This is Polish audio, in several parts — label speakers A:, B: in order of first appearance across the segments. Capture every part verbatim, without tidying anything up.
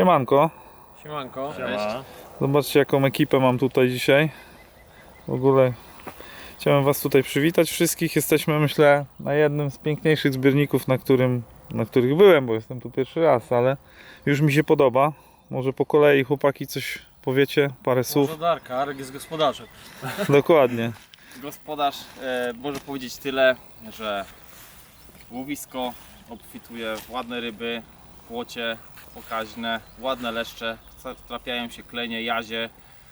A: Siemanko.
B: Siemanko.
C: Siema.
A: Zobaczcie, jaką ekipę mam tutaj dzisiaj. W ogóle chciałem was tutaj przywitać wszystkich. Jesteśmy, myślę, na jednym z piękniejszych zbiorników, na, którym, na których byłem, bo jestem tu pierwszy raz, ale już mi się podoba. Może po kolei chłopaki coś powiecie, parę słów.
B: Może Darka, Arek jest gospodarzem.
A: Dokładnie.
C: Gospodarz e, może powiedzieć tyle, że łowisko obfituje w ładne ryby, płocie pokaźne, ładne leszcze, trafiają się klenie, jazie.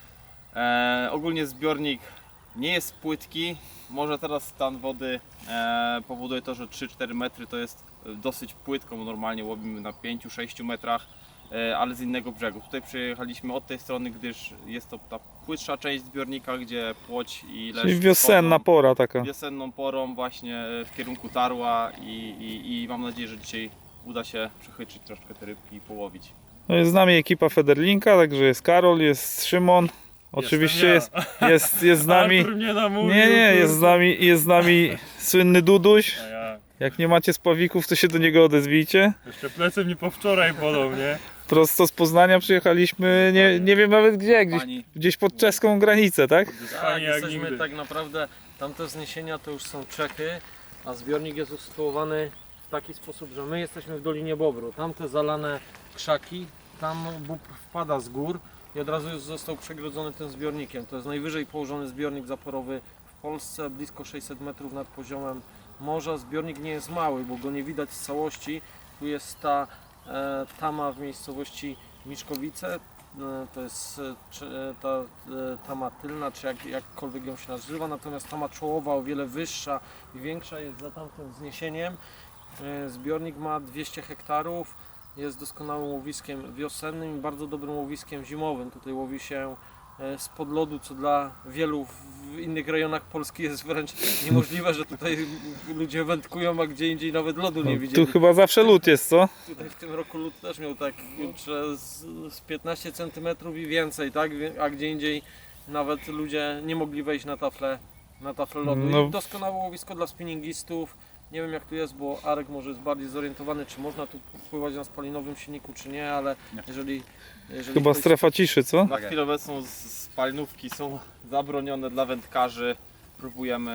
C: E, ogólnie zbiornik nie jest płytki, może teraz stan wody e, powoduje to, że trzy cztery metry to jest dosyć płytko, bo normalnie łowimy na pięć sześć metrach, e, ale z innego brzegu. Tutaj przyjechaliśmy od tej strony, gdyż jest to ta płytsza część zbiornika, gdzie płoć i leszcz
A: Czyli wiosenna
C: wchodzą
A: pora taka.
C: wiosenną porą właśnie w kierunku Tarła i, i, i mam nadzieję, że dzisiaj uda się przechytrzyć troszkę te rybki i połowić.
A: No jest z nami ekipa Federlinka, także jest Karol, jest Szymon. Oczywiście
B: ja.
A: jest, jest, jest z nami.
B: Artur mnie namówił,
A: Nie, nie, jest z
B: kurde.
A: nami, jest z nami słynny Duduś.
B: A ja.
A: Jak nie macie spawików, to się do niego odezwijcie.
B: Jeszcze plecy mnie po wczoraj bolą, nie?
A: Prosto z Poznania przyjechaliśmy, nie, nie wiem nawet gdzie, gdzieś,
C: Pani
A: gdzieś pod czeską granicę, tak?
B: Tak,
D: Tak,
B: jak
D: jesteśmy
B: nigdy.
D: tak naprawdę, tamte wzniesienia to już są Czechy, a zbiornik jest usytuowany w taki sposób, że my jesteśmy w Dolinie Bobru. Tamte zalane krzaki, tam bób wpada z gór i od razu już został przegrodzony tym zbiornikiem. To jest najwyżej położony zbiornik zaporowy w Polsce, blisko sześćset metrów nad poziomem morza. Zbiornik nie jest mały, bo go nie widać z całości. Tu jest ta e, tama w miejscowości Miszkowice. To jest e, czy, e, ta e, tama tylna, czy jak, jakkolwiek ją się nazywa, natomiast tama czołowa o wiele wyższa i większa jest za tamtym wzniesieniem. E, Zbiornik ma dwieście hektarów, jest doskonałym łowiskiem wiosennym i bardzo dobrym łowiskiem zimowym. Tutaj łowi się e, spod lodu, co dla wielu w innych rejonach Polski jest wręcz niemożliwe, że tutaj ludzie wędkują, a gdzie indziej nawet lodu nie
A: No,
D: widzieli.
A: tu chyba zawsze lód jest, co?
D: Tutaj w tym roku lód też miał tak kurczę, z, z piętnaście centymetrów i więcej, tak? A gdzie indziej nawet ludzie nie mogli wejść na taflę, na taflę lodu.
A: No.
D: I doskonałe łowisko dla spinningistów. Nie wiem jak tu jest, bo Arek może jest bardziej zorientowany, czy można tu pływać na spalinowym silniku, czy nie, ale jeżeli... jeżeli
A: Chyba
D: ktoś-
A: strefa ciszy, co?
C: na chwilę obecną z- spalinówki są zabronione dla wędkarzy. Próbujemy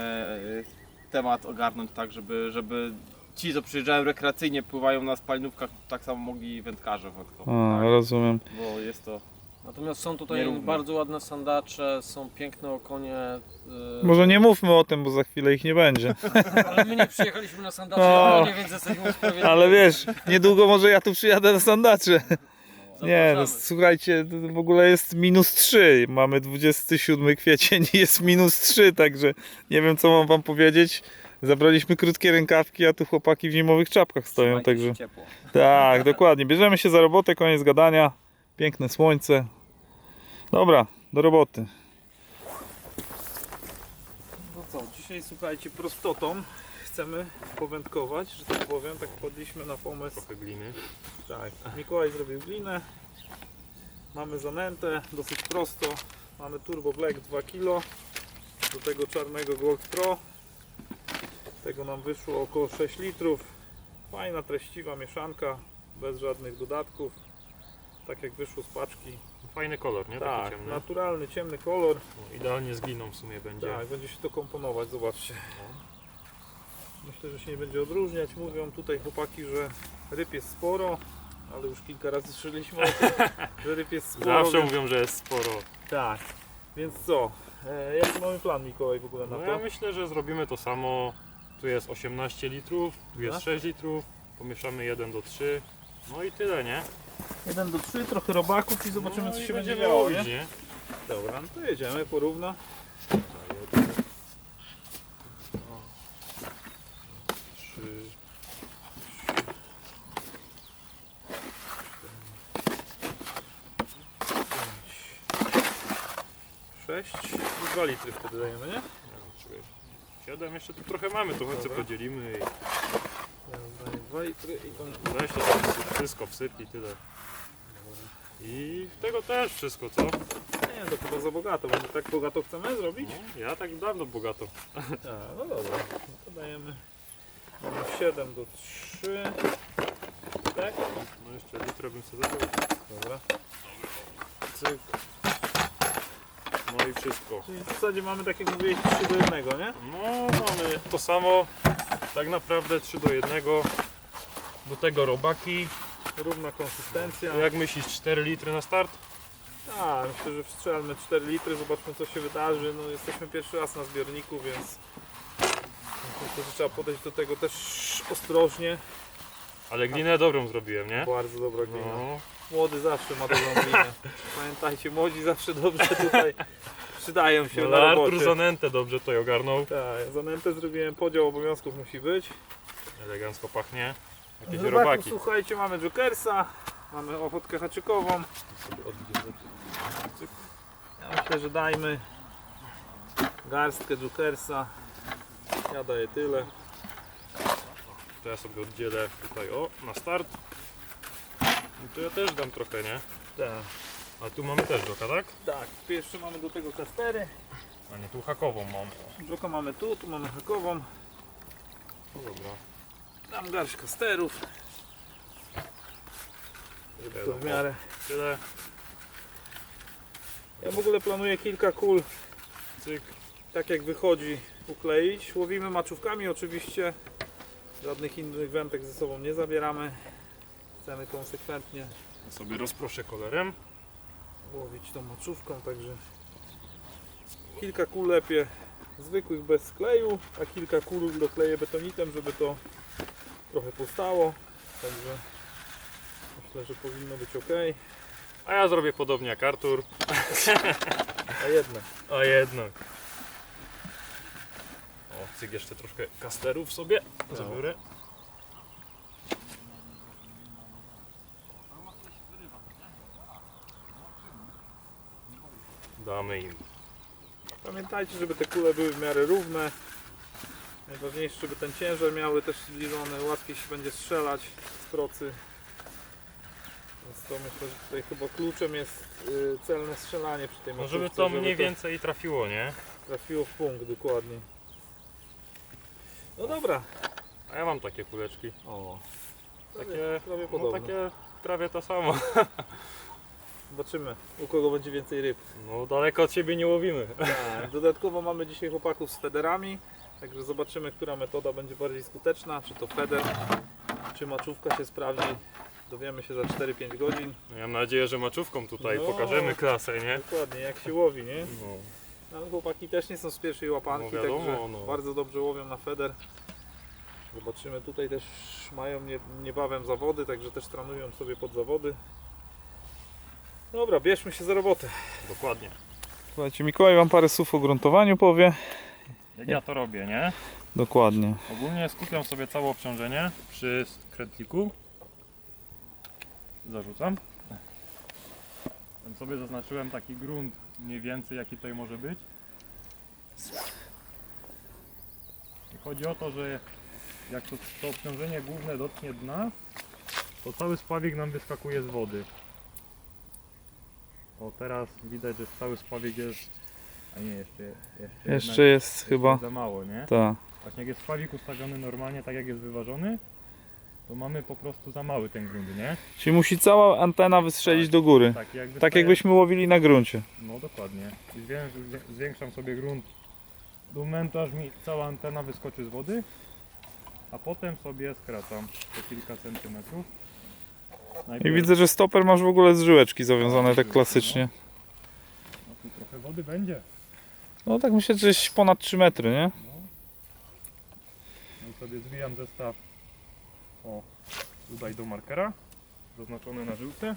C: e, temat ogarnąć tak, żeby, żeby ci, co przyjeżdżają rekreacyjnie, pływają na spalinówkach, tak samo mogli wędkarze wędkować.
A: A,
C: Tak,
A: rozumiem.
C: bo jest to
D: Natomiast są tutaj
C: Nierówno.
D: bardzo ładne sandacze, są piękne okonie. Yy,
A: Może nie mówmy o tym, bo za chwilę ich nie będzie.
D: Ale my nie przyjechaliśmy na sandacze,
A: No.
D: ale więc jesteśmy usprawiedliwieni.
A: Ale wiesz, niedługo może ja tu przyjadę na sandacze. Nie, no,
D: Zapraszamy.
A: słuchajcie, to w ogóle jest minus trzy. Mamy dwudziesty siódmy kwiecień i jest minus trzy, także nie wiem co mam wam powiedzieć. Zabraliśmy krótkie rękawki, a tu chłopaki w zimowych czapkach stoją,
C: Trzymajcie
A: także
C: się ciepło.
A: tak, dokładnie. Bierzemy się za robotę, koniec gadania. Piękne słońce. Dobra, do roboty. No co, dzisiaj słuchajcie, prostotą chcemy powędkować, że tak powiem, tak wpadliśmy na pomysł.
B: Trochę gliny.
A: Tak, Mikołaj zrobił glinę. Mamy zanętę, dosyć prosto. Mamy Turbo Black dwa kilo. Do tego czarnego Gold Pro. Tego nam wyszło około sześć litrów. Fajna, treściwa mieszanka, bez żadnych dodatków. Tak jak wyszło z paczki.
B: Fajny kolor, nie?
A: Tak,
B: Taki ciemny.
A: naturalny, ciemny kolor.
B: No, idealnie z gliną w sumie będzie.
A: Tak, będzie się to komponować, zobaczcie. Myślę, że się nie będzie odróżniać. Mówią tutaj chłopaki, że ryb jest sporo, ale już kilka razy słyszeliśmy o tym, że ryb jest sporo.
B: Zawsze
A: więc...
B: mówią, że jest sporo.
A: Tak, więc co? E, jaki mamy plan, Mikołaj, w ogóle na
B: No
A: to?
B: ja myślę, że zrobimy to samo. Tu jest osiemnaście litrów, tu jest
A: No.
B: sześć litrów. Pomieszamy jeden do trzech. No i tyle, nie?
A: jeden do trzy, trochę robaków i zobaczymy,
B: no
A: co
B: i
A: się będzie
B: będziemy
A: działo,
B: łowić,
A: nie?
B: nie?
A: Dobra, no to jedziemy porówno.
B: Trzy.
A: sześć i dwa litry wtedy dajemy, nie?
B: Nie wiem, czekaj. Siedem jeszcze tu trochę mamy, to chodź
A: Dobra.
B: podzielimy i
A: Ja daję dwa litry i to...
B: weź to tam wszystko wsypnij, tyle. I tego też wszystko, co?
A: Nie, to chyba za bogato, bo my tak bogato chcemy zrobić?
B: No, ja tak dawno bogato.
A: A, no dobra, no to dajemy siedem do trzech, tak?
B: No jeszcze litrę bym sobie zabrał.
A: Dobra.
B: Cyk. No i wszystko.
A: Czyli w zasadzie mamy, tak jak mówiłeś, trzy do jednego, nie?
B: No mamy to samo, tak naprawdę trzy do jednego. Do tego robaki.
A: Równa konsystencja.
B: Jak myślisz, cztery litry na start?
A: A, myślę, że wstrzelmy cztery litry, zobaczmy co się wydarzy. No, jesteśmy pierwszy raz na zbiorniku, więc myślę, że trzeba podejść do tego też ostrożnie.
B: Ale glinę dobrą zrobiłem, nie?
A: Bardzo dobra glina.
B: No.
A: Młody zawsze ma dobrą glinę. Pamiętajcie, młodzi zawsze dobrze tutaj przydają się
B: Ale
A: na
B: Artur
A: robocie.
B: zanętę dobrze tutaj ogarnął.
A: Tak, zanętę zrobiłem, podział obowiązków musi być.
B: Elegancko pachnie. Jakieś
A: Z robaków,
B: robaki.
A: słuchajcie, mamy jokersa, mamy ochotkę haczykową. Ja myślę, że dajmy garstkę jokersa. Ja daję tyle.
B: To ja sobie oddzielę tutaj, o, na start. I to ja też dam trochę, nie?
A: Tak.
B: A tu mamy też joka, tak?
A: Tak, pierwszy mamy do tego kastery.
B: A nie, tu hakową mam.
A: Joka mamy tu, tu mamy hakową.
B: No dobra.
A: Dam garść kasterów.
B: Tyle,
A: To w miarę.
B: Tyle.
A: Ja w ogóle planuję kilka kul,
B: Cyk.
A: tak jak wychodzi, ukleić. Łowimy maczówkami oczywiście. Żadnych innych wędek ze sobą nie zabieramy. Chcemy konsekwentnie
B: Ja sobie rozproszę kolorem.
A: łowić tą maczówką, także kilka kul lepiej zwykłych bez kleju, a kilka kul dokleję betonitem, żeby to trochę powstało. Także myślę, że powinno być ok.
B: A ja zrobię podobnie jak Artur.
A: A jednak.
B: A jednak. O, cyk, jeszcze troszkę kasterów sobie zabiorę. Damy im.
A: Pamiętajcie, żeby te kule były w miarę równe. Najważniejsze, żeby ten ciężar miały też zbliżony, łatwiej się będzie strzelać z procy. Więc to myślę, że tutaj chyba kluczem jest y, celne strzelanie przy tej
B: No
A: maczówce,
B: żeby to
A: żeby
B: mniej więcej trafiło, nie?
A: trafiło w punkt dokładnie. No dobra.
B: A ja mam takie kuleczki.
A: O,
B: Takie,
A: prawie
B: no
A: podobne.
B: takie prawie to samo.
A: Zobaczymy, u kogo będzie więcej ryb.
B: No daleko od siebie nie łowimy.
A: Tak. Dodatkowo mamy dzisiaj chłopaków z federami, także zobaczymy, która metoda będzie bardziej skuteczna, czy to feder, czy maczówka się sprawdzi. Dowiemy się za cztery pięć godzin.
B: No, ja mam nadzieję, że maczówką tutaj
A: No.
B: pokażemy klasę, nie?
A: Dokładnie, jak się łowi, nie?
B: No.
A: Ale chłopaki też nie są z pierwszej łapanki,
B: No wiadomo,
A: także
B: no.
A: bardzo dobrze łowią na feder. Zobaczymy, tutaj też mają nie, niebawem zawody, także też trenują sobie pod zawody. Dobra, bierzmy się za robotę.
B: Dokładnie.
A: Słuchajcie, Mikołaj wam parę słów o gruntowaniu powie.
B: Jak ja to robię, nie?
A: Dokładnie.
B: Ogólnie skupiam sobie całe obciążenie przy krętliku. Zarzucam. Tam sobie zaznaczyłem taki grunt mniej więcej jaki tutaj może być. I chodzi o to, że jak to, to obciążenie główne dotknie dna, to cały spławik nam wyskakuje z wody. O, teraz widać, że cały spławik jest... A nie, jeszcze, jeszcze,
A: Jeszcze
B: jednak,
A: jest
B: jeszcze
A: chyba.
B: jest za mało, nie?
A: Tak.
B: Właśnie jak jest spławik ustawiony normalnie, tak jak jest wyważony, to mamy po prostu za mały ten grunt, nie?
A: Czyli musi cała antena wystrzelić do góry.
B: Tak, jak
A: Tak
B: wystaje-
A: jakbyśmy łowili na gruncie.
B: No dokładnie. I zwię- zwię- zwiększam sobie grunt do momentu, aż mi cała antena wyskoczy z wody, a potem sobie skracam po kilka centymetrów.
A: I
B: Najpierw-
A: widzę, że stoper masz w ogóle z żyłeczki zawiązane tak klasycznie.
B: No tu trochę wody będzie.
A: No tak myślę, że gdzieś ponad trzy metry, nie?
B: No. No i sobie zwijam zestaw o tutaj do markera, zaznaczony na żółte.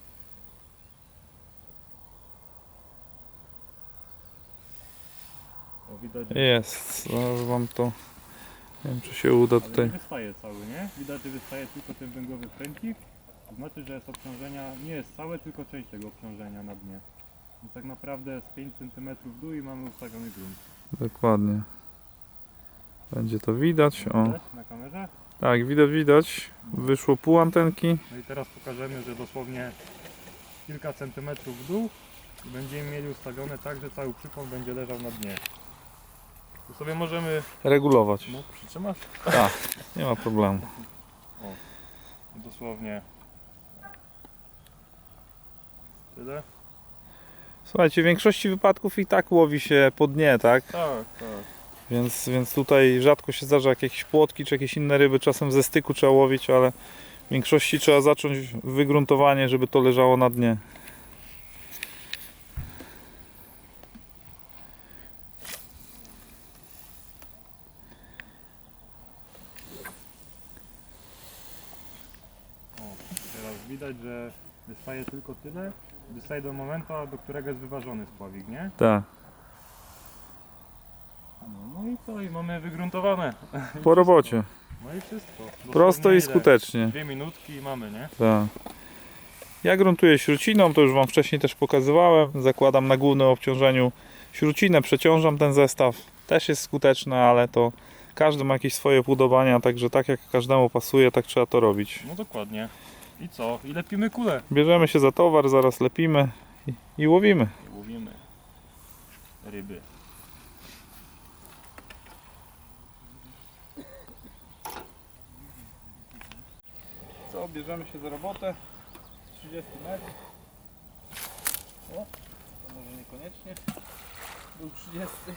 B: O, widać, że
A: Jest, zaraz wam to... Nie wiem, czy się uda
B: ale
A: tutaj.
B: nie wystaje cały, nie? Widać, że wystaje tylko ten węglowy pręcik. To znaczy, że jest obciążenia, nie jest całe, tylko część tego obciążenia na dnie. Więc tak naprawdę z pięć centymetrów w dół i mamy ustawiony grunt.
A: Dokładnie. Będzie to widać. O.
B: Widać na kamerze?
A: Tak, widać, widać. Wyszło pół antenki.
B: No i teraz pokażemy, że dosłownie kilka centymetrów w dół i będziemy mieli ustawione tak, że cały przypon będzie leżał na dnie. Tu sobie możemy,
A: Regulować.
B: no przytrzymasz?
A: Tak, nie ma problemu.
B: I dosłownie Tyle?
A: Słuchajcie, w większości wypadków i tak łowi się po dnie, tak?
B: Tak, tak.
A: Więc, więc tutaj rzadko się zdarza jak jakieś płotki czy jakieś inne ryby, czasem ze styku trzeba łowić, ale w większości trzeba zacząć wygruntowanie, żeby to leżało na dnie.
B: Teraz widać, że wystaje tylko tyle, wystaje do momentu, do którego jest wyważony spławik, nie?
A: Tak.
B: No, no i co? I mamy wygruntowane. I
A: Po robocie.
B: wszystko. No i wszystko.
A: Prosto
B: Dosłownie
A: i
B: ile?
A: skutecznie.
B: Dwie minutki i mamy, nie?
A: Tak. Ja gruntuję śruciną, to już Wam wcześniej też pokazywałem. Zakładam na głównym obciążeniu śrucinę, przeciążam ten zestaw. Też jest skuteczne, ale to każdy ma jakieś swoje upodobania, także tak jak każdemu pasuje, tak trzeba to robić.
B: No dokładnie. I co? I lepimy kulę.
A: Bierzemy się za towar, zaraz lepimy i, i łowimy.
B: I łowimy ryby.
A: Co, bierzemy się za robotę. trzydzieści metrów. O, to może niekoniecznie. Był trzydziesty.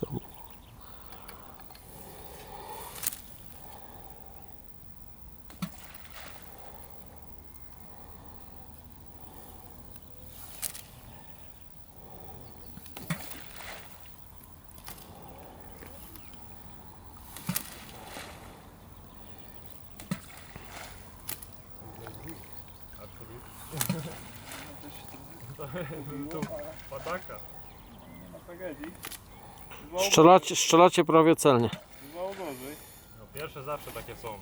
B: Tu padaka.
A: Nie ma tragedii.
D: Strzelacie, strzelacie prawie celnie.
A: Bywało gorzej.
B: No pierwsze zawsze takie są.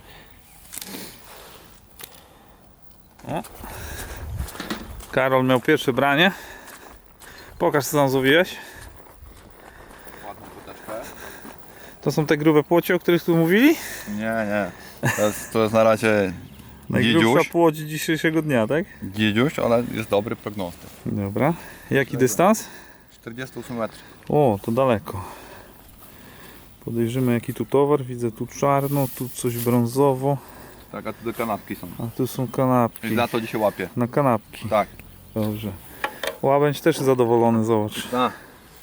A: Karol miał pierwsze branie. Pokaż, co tam złowiłeś.
E: Ładną koteczkę.
A: To są te grube płocie, o których tu mówili?
E: Nie, nie. To jest, to jest na razie
A: Najgrubsza
E: dzidziuś,
A: płoć dzisiejszego dnia, tak?
E: dzidziuś, ale jest dobry prognostyk.
A: Dobra. Jaki dystans?
E: czterdzieści osiem metrów.
A: O, to daleko. Podejrzymy, jaki tu towar. Widzę tu czarno, tu coś brązowo,
E: Tak, a tu do kanapki są.
A: a tu są kanapki.
E: I za to dzisiaj łapię.
A: Na kanapki.
E: Tak.
A: Dobrze. Łabędź też zadowolony, zobacz.
E: Tak.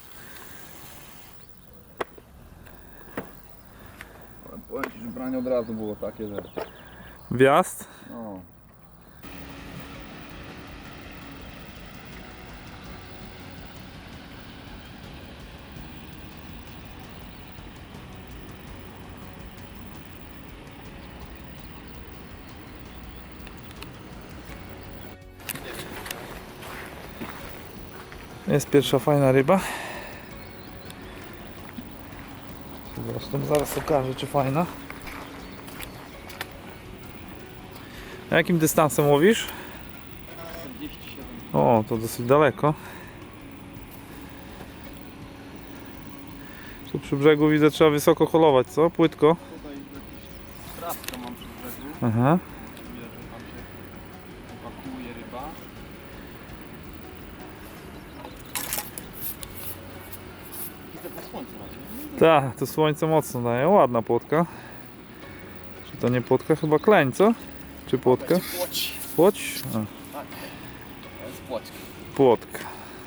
E: Powiem Ci, że branie od razu było takie, że...
A: Wjazd.
E: No.
A: Jest pierwsza fajna ryba. Zresztą zaraz okażę, czy fajna. A jakim dystansem łowisz?
C: czterdzieści siedem.
A: O, to dosyć daleko. Tu przy brzegu widzę, trzeba wysoko holować, co? Płytko.
C: Tutaj jakiś trawkę mam przy brzegu.
A: Aha.
C: Widać, że tam się pakuje ryba. Widzę po słońcu raczej.
A: Tak, to słońce mocno daje. Ładna płotka. Czy to nie płotka? Chyba kleń, co? Czy płotka?
C: Będzie płoć.
A: Płoć? A,
C: Tak. To jest płoćka.
A: płotka.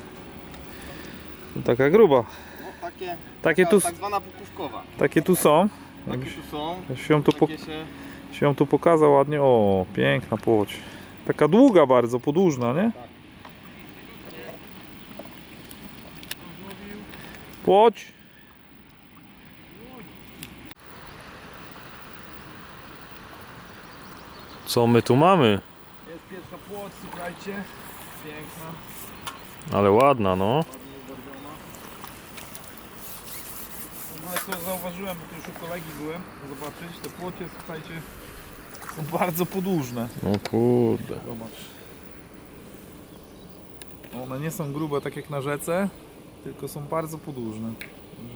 A: To taka gruba.
C: No takie,
A: Takie
C: taka
A: tu,
C: tak zwana pupówkowa.
A: takie tu są.
C: Takie
A: Jakbyś
C: tu są.
A: się ją tu, po,
C: Takie się...
A: się ją tu pokazał ładnie. O, piękna płoć. Taka długa bardzo, podłużna, nie? Płoć.
B: Co my tu mamy?
A: Jest pierwsza płoć, słuchajcie. Piękna.
B: Ale ładna, no.
A: Ładnie ubarwiona. No ale co zauważyłem, bo tu już u kolegi byłem, zobaczyć, te płocie, słuchajcie, są bardzo podłużne.
B: No kurde.
A: Zobacz. One nie są grube tak jak na rzece, tylko są bardzo podłużne. Także...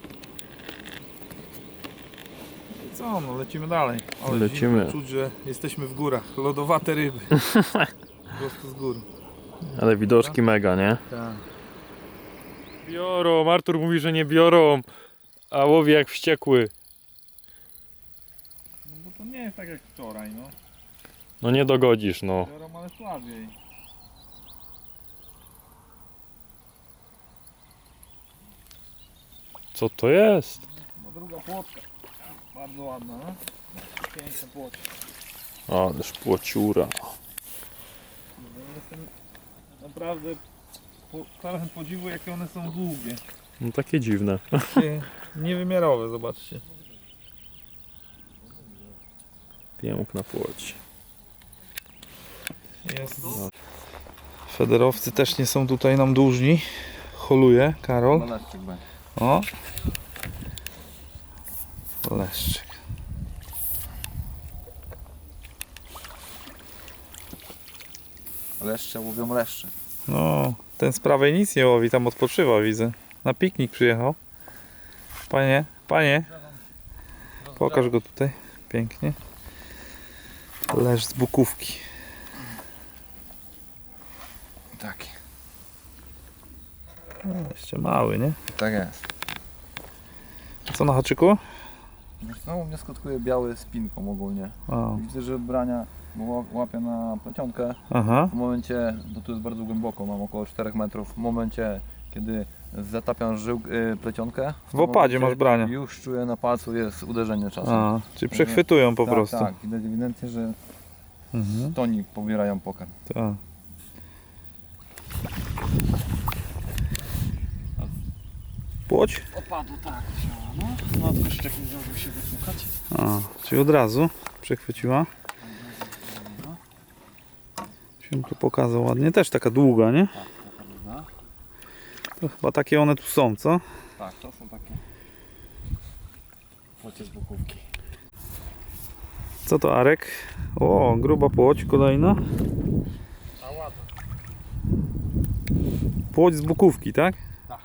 A: I co, no lecimy dalej. Ale
B: Lecimy.
A: zimno czuć, że jesteśmy w górach. Lodowate ryby. Prosto z gór.
B: Ale widoczki mega, nie?
A: Tak.
B: Biorą, Artur mówi, że nie biorą, a łowi jak wściekły.
A: No bo to nie jest tak jak wczoraj, no.
B: No nie dogodzisz, no.
A: Biorą, ale słabiej.
B: Co to jest?
A: No druga płotka. Bardzo ładna, no. Piękna płotka.
B: Ależ płociura.
A: Jestem naprawdę po, pełen podziwu, jakie one są długie.
B: No takie dziwne.
A: Takie niewymiarowe, zobaczcie.
B: Piękna płoć.
A: Jest. Federowcy też nie są tutaj nam dłużni. Holuje Karol.
E: Leszczyk będzie.
A: O. Leszczyk.
E: Leszcze łowią leszcze.
A: No, ten z prawej nic nie łowi, tam odpoczywa, widzę. Na piknik przyjechał. Panie, panie. Pokaż go tutaj. Pięknie. Lesz z Bukówki.
E: Tak.
A: No, jeszcze mały, nie?
E: Tak jest.
A: A co na haczyku?
E: No u mnie skutkuje biały z pinką ogólnie.
A: O.
E: Widzę, że brania bo łapie na plecionkę.
A: Aha.
E: W momencie, no tu jest bardzo głęboko, mam około czterech metrów. W momencie, kiedy zatapiam żył, y, plecionkę,
A: W opadzie
E: momencie
A: masz brania.
E: już czuję na palcu jest uderzenie czasem.
A: A, czyli przechwytują po
E: tak,
A: prostu.
E: Tak, widać ewidentnie, że
A: Mhm.
E: toni pobierają pokarm.
A: Tak. Płoć?
D: Opadu, tak. No, no tylko jeszcze nie zdążył się wysłuchać.
A: A, czyli od razu przechwyciła. Się tu pokazał ładnie. Też taka długa, nie?
C: Tak, taka długa.
A: To chyba takie one tu są, co?
C: Tak, to są takie płocie z Bukówki.
A: Co to, Arek? O, gruba płoć kolejna.
D: A ładna.
A: Płoć z Bukówki, tak?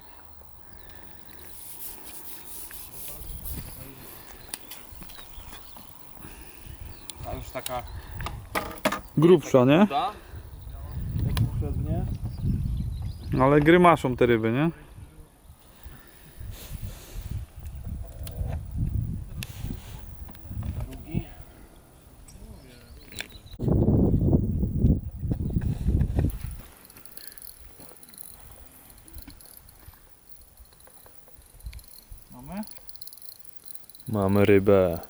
C: A już taka
A: Grubsza, nie?
C: chuda, jak poprzednie.
A: Ale grymaszą te ryby, nie?
C: Drugi.
A: Mamy?
B: Mamy rybę.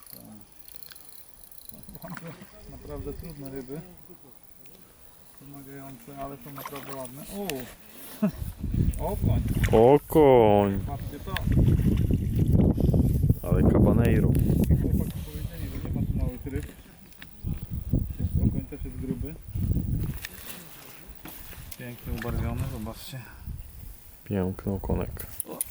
A: Naprawdę trudne ryby. Pomagające, ale są naprawdę ładne. O! O, koń.
B: O koń.
A: Patrzcie to.
B: Ale cabaneiro.
A: Chłopaki powiedzieli, że nie ma tu małych ryb. Więc okoń też jest gruby. Pięknie ubarwiony, zobaczcie.
B: Piękny okonek.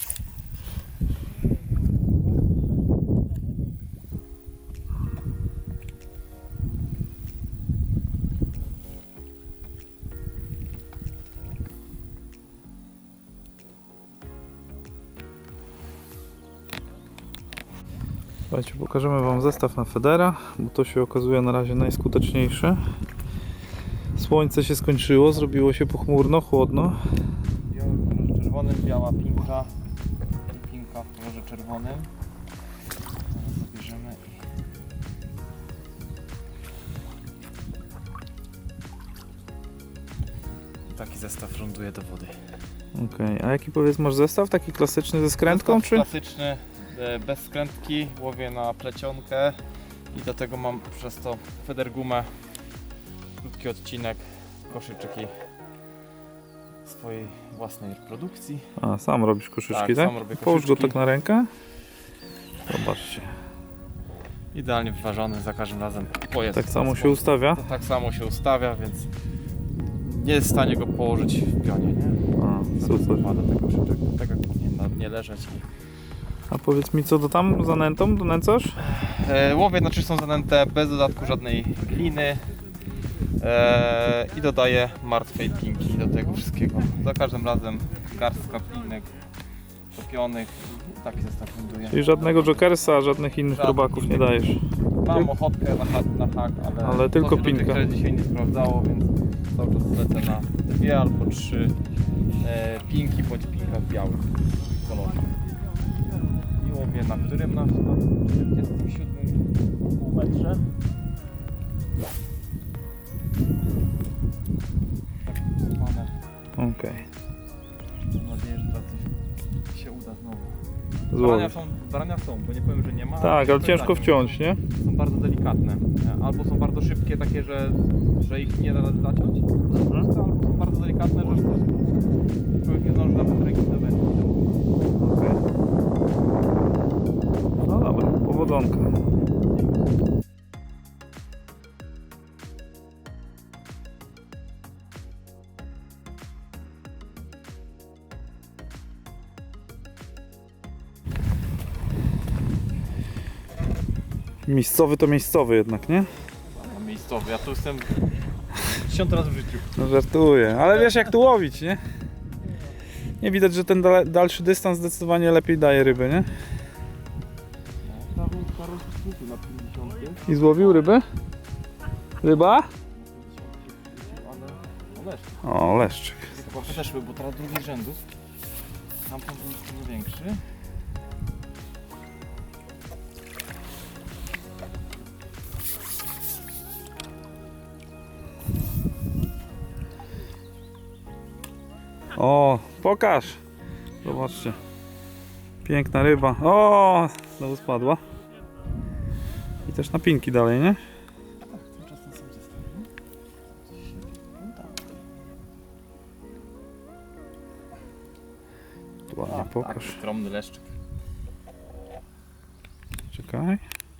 A: Słuchajcie, pokażemy wam zestaw na Federa, bo to się okazuje na razie najskuteczniejsze. Słońce się skończyło, zrobiło się pochmurno, chłodno.
C: Biały w kolorze czerwonym, biała pinka i pinka w kolorze czerwonym. Teraz zabierzemy i taki zestaw ląduje do wody.
A: Okej, a jaki powiedz masz zestaw? Taki klasyczny ze skrętką,
C: Zestaw
A: czy?
C: klasyczny, e, bez skrętki, łowię na plecionkę i do tego mam przez to federgumę, krótki odcinek, koszyczki swojej własnej produkcji.
A: A, sam robisz koszyczki, tak?
C: Tak, sam robię
A: Połóż go
C: koszyczki.
A: tak na rękę. Zobaczcie.
C: Idealnie wyważony za każdym razem. Pojazd
A: Tak
C: w ten
A: samo się
C: sposób.
A: ustawia?
C: To tak samo się ustawia, więc nie jest w stanie go położyć w pionie, nie?
A: A, super.
C: Pada ten koszyczek, tak jak powinien na dnie leżeć.
A: A powiedz mi, co to tam zanętą donęcasz?
C: E, łowie na czystą zanętę, bez dodatku żadnej gliny e, i dodaję martwej pinki do tego wszystkiego. Za każdym razem garstka pinek topionych, taki zestaw ląduje.
A: Czyli żadnego jokersa, żadnych innych
C: Żadnych
A: robaków nie
C: innych.
A: dajesz.
C: Mam ochotkę na hak, na hak ale,
A: Ale tylko
C: to się do tej
A: pinka.
C: grze dzisiaj nie sprawdzało, więc cały czas lecę na dwie albo trzy e, pinki bądź pinka w białym kolorze. I łowię na którym? Na, na czterdziestym siódmym półmetrze. Tak usypane.
A: Okej.
C: Mam nadzieję, że teraz coś się uda znowu.
B: Brania
A: złowić.
B: są, brania są, bo nie powiem, że nie ma.
A: Tak, ale
B: to
A: ciężko
B: tak,
A: wciąć, nie?
B: Są bardzo delikatne. E, Albo są bardzo szybkie, takie, że, że ich nie da rady zaciąć,
A: Mhm.
B: albo są bardzo delikatne, że człowiek nie zdąży nawet ręki zawędzić.
A: Okej. No dobra, powodzonka. Miejscowy to miejscowy jednak, nie?
C: Miejscowy, ja tu jestem dziesiąty raz w życiu.
A: No żartuję, ale wiesz jak tu łowić, nie? Nie widać, że ten dale- dalszy dystans zdecydowanie lepiej daje ryby, nie?
B: Na pięćdziesiątym,
A: I złowił rybę? Ryba?
B: ale leszcz.
A: O, leszczyk.
C: Chyba podeszły, bo teraz drugi rzędu. Tamten był dużo większy.
A: O, pokaż. Zobaczcie. Piękna ryba. O, znowu spadła. I też na pinki dalej, nie?
C: Tymczasem sam
A: Tu ładnie pokaż.
C: Tak, skromny leszczyk.
A: Czekaj.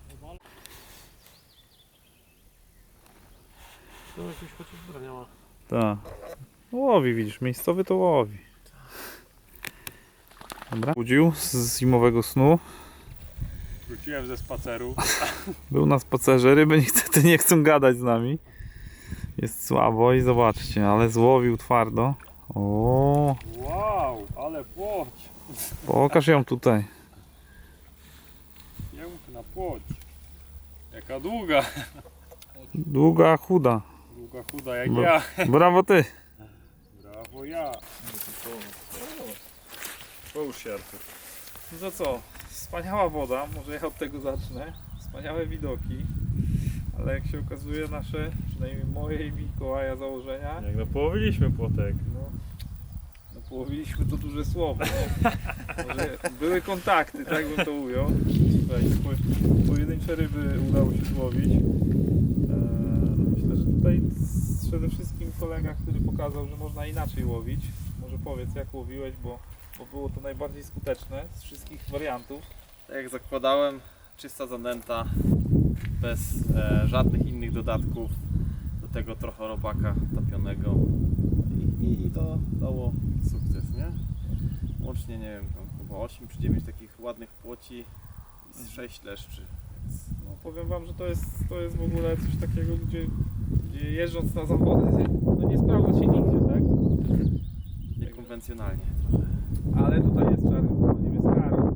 D: To jakiś chociaż brania ma.
A: Tak. Łowi, widzisz, miejscowy to łowi. Dobra. Budził z zimowego snu.
B: Wróciłem ze spaceru.
A: Był na spacerze, ryby niestety nie chcą gadać z nami. Jest słabo i zobaczcie, ale złowił twardo. O,
B: Wow, ale płoć.
A: pokaż ją tutaj.
B: Piękna płoć. Jaka długa.
A: Długa, chuda.
B: Długa, chuda jak
A: Bo-
B: ja.
A: Brawo ty.
B: Brawo ja. Połóż się, Artur.
A: No to co? Wspaniała woda, może ja od tego zacznę. Wspaniałe widoki. Ale jak się okazuje nasze, przynajmniej moje i Mikołaja założenia,
B: Jak no połowiliśmy płotek.
A: no, no połowiliśmy to duże słowo. Nie? Może były kontakty, tak bym to ujął. Tutaj po- pojedyncze ryby udało się złowić. Eee, myślę, że tutaj z- przede wszystkim kolega, który pokazał, że można inaczej łowić. Może powiedz jak łowiłeś, bo, bo było to najbardziej skuteczne z wszystkich wariantów.
C: Tak jak zakładałem, czysta zanęta, bez e, żadnych innych dodatków. Do tego trochę robaka topionego. I, i, i to dało sukces, nie? Łącznie, nie wiem, tam chyba osiem czy dziewięć takich ładnych płoci i z sześć leszczy. Więc
A: No, powiem wam, że to jest, to jest w ogóle coś takiego, gdzie, gdzie jeżdżąc na zawody, no nie sprawdza się nigdzie, tak?
C: niekonwencjonalnie.
A: Ale tutaj jest czarny, nie jest kary.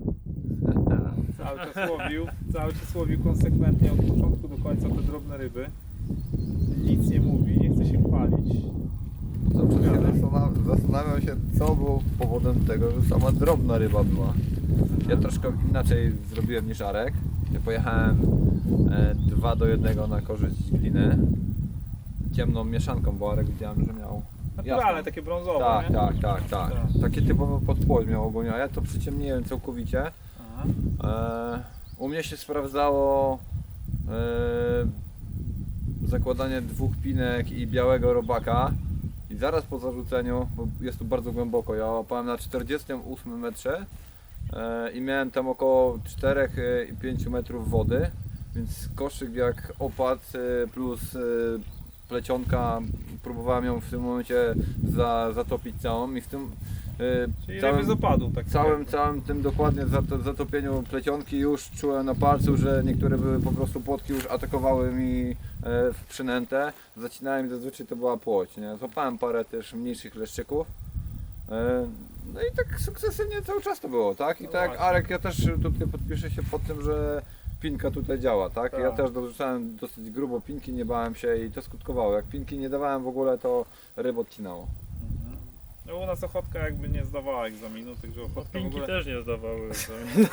A: Cały czas łowił, cały czas łowił konsekwentnie od początku do końca te drobne ryby. Nic nie mówi, nie chce się chwalić.
E: Zawsze się zastanawiam, zastanawiam się, co było powodem tego, że sama drobna ryba była. Ja troszkę inaczej zrobiłem niż Arek. Ja pojechałem e, dwa do jednego na korzyść gliny. Ciemną mieszanką, bo Arek widziałem, że miał
A: Naturalne,
E: jasną.
A: takie brązowe,
E: Tak,
A: nie?
E: tak, tak, tak.
A: Tak.
E: Takie typowe podpłoć miał ogólnie, a ja to przyciemniłem całkowicie.
A: Aha.
E: E, u mnie się sprawdzało e, zakładanie dwóch pinek i białego robaka i zaraz po zarzuceniu, bo jest tu bardzo głęboko, ja łapałem na czterdziestym ósmym metrze e, i miałem tam około cztery i pięć metrów wody, więc koszyk jak opadł e, plus e, plecionka, próbowałem ją w tym momencie za, zatopić całą i w tym e,
A: Czyli
E: całym-
A: ryby z opadu, tak
E: całym, całym tym dokładnie zato- zatopieniu plecionki już czułem na palcu, że niektóre były po prostu płotki już atakowały mi e, w przynętę. Zacinałem i zazwyczaj to była płoć, nie? Złapałem parę też mniejszych leszczyków. E, no i tak sukcesywnie cały czas to było, tak? I
A: No
E: tak jak
A: właśnie.
E: Arek, ja też tutaj podpiszę się pod tym, że pinka tutaj działa, tak? Ja
A: Tak.
E: też dorzucałem dosyć grubo pinki, nie bałem się i to skutkowało. Jak pinki nie dawałem w ogóle, to ryb odcinało.
A: No u nas Ochotka jakby nie zdawała egzaminu, także Ochotka w
B: Pinki
A: ogóle...
B: też nie zdawały egzaminu.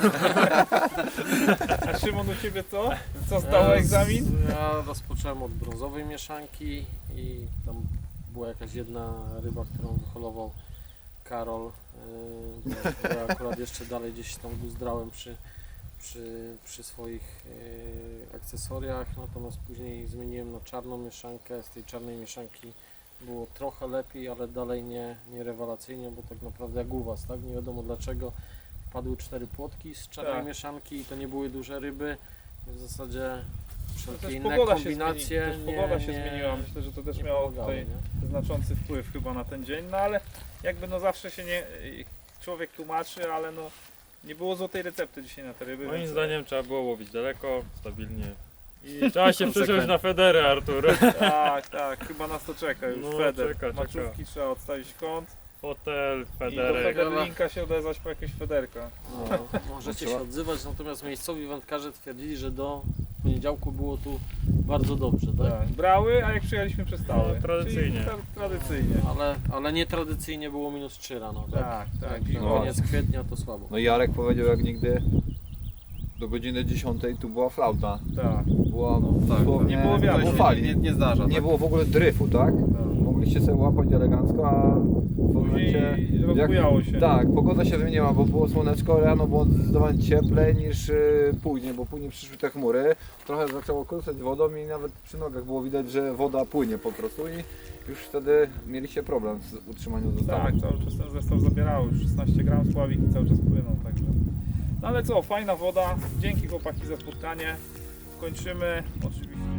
A: A Szymon, u Ciebie co? Co zdało egzamin?
D: Ja rozpocząłem od brązowej mieszanki i tam była jakaś jedna ryba, którą wyholował Karol, yy, bo ja akurat jeszcze dalej gdzieś tam guzdrałem przy, przy, przy swoich yy, akcesoriach, natomiast później zmieniłem na czarną mieszankę. Z tej czarnej mieszanki było trochę lepiej, ale dalej nie, nie rewelacyjnie, bo tak naprawdę jak u Was, tak? Nie wiadomo dlaczego wpadły cztery płotki z czarnej
A: Tak.
D: mieszanki i to nie były duże ryby. W zasadzie
A: To
D: wszelkie
A: też
D: inne
A: pogoda się,
D: kombinacje
A: zmieni, też pogoda
D: nie,
A: się
D: nie,
A: zmieniła. Myślę, że to też
D: nie
A: miało
D: pomagały,
A: tutaj
D: nie?
A: znaczący wpływ chyba na ten dzień, no ale jakby no zawsze się nie człowiek tłumaczy, ale no nie było złotej recepty dzisiaj na te ryby.
B: Moim
A: więc-
B: zdaniem trzeba było łowić daleko, stabilnie. I trzeba się przesiąść na Federę, Artur.
A: Tak, tak, chyba nas to czeka już.
B: No,
A: Feder.
B: czeka, czeka.
A: Maczówki trzeba odstawić w kąt
B: Fotel,
A: i do
B: Federek.
A: Federlinka się odezwać po jakieś Federka.
D: No, możecie się odzywać, natomiast miejscowi wędkarze twierdzili, że do poniedziałku było tu bardzo dobrze, tak?
A: Tak, brały, a jak przyjechaliśmy przestały.
B: No, tradycyjnie.
A: Czyli tra- tradycyjnie.
D: Ale, ale nietradycyjnie było minus trzy rano, tak?
A: Tak, tak.
D: Także
A: zimowo.
D: koniec kwietnia to słabo.
E: No i Jarek powiedział jak nigdy, do godziny dziesiątej tu była flauta.
A: Tak,
E: Była
C: tak,
E: dosłownie,
A: nie było wiatru.
E: było
C: To
E: fali.
C: się nie, nie zdarza.
E: Nie
C: tak?
E: było w ogóle dryfu, tak?
A: tak.
E: Mogliście sobie łapać elegancko, a w momencie...
A: Później rozbujało się.
E: Tak, pogoda się zmieniła, bo było słoneczko, rano było zdecydowanie cieplej niż y, później, bo później przyszły te chmury. Trochę zaczęło klusać wodą i nawet przy nogach było widać, że woda płynie po prostu i już wtedy mieliście problem z utrzymaniem zestawu.
A: Tak, cały czas ten zestaw zabierało, już szesnaście gram spławik i cały czas płyną, także. No ale co, fajna woda, dzięki chłopaki za spotkanie, kończymy, oczywiście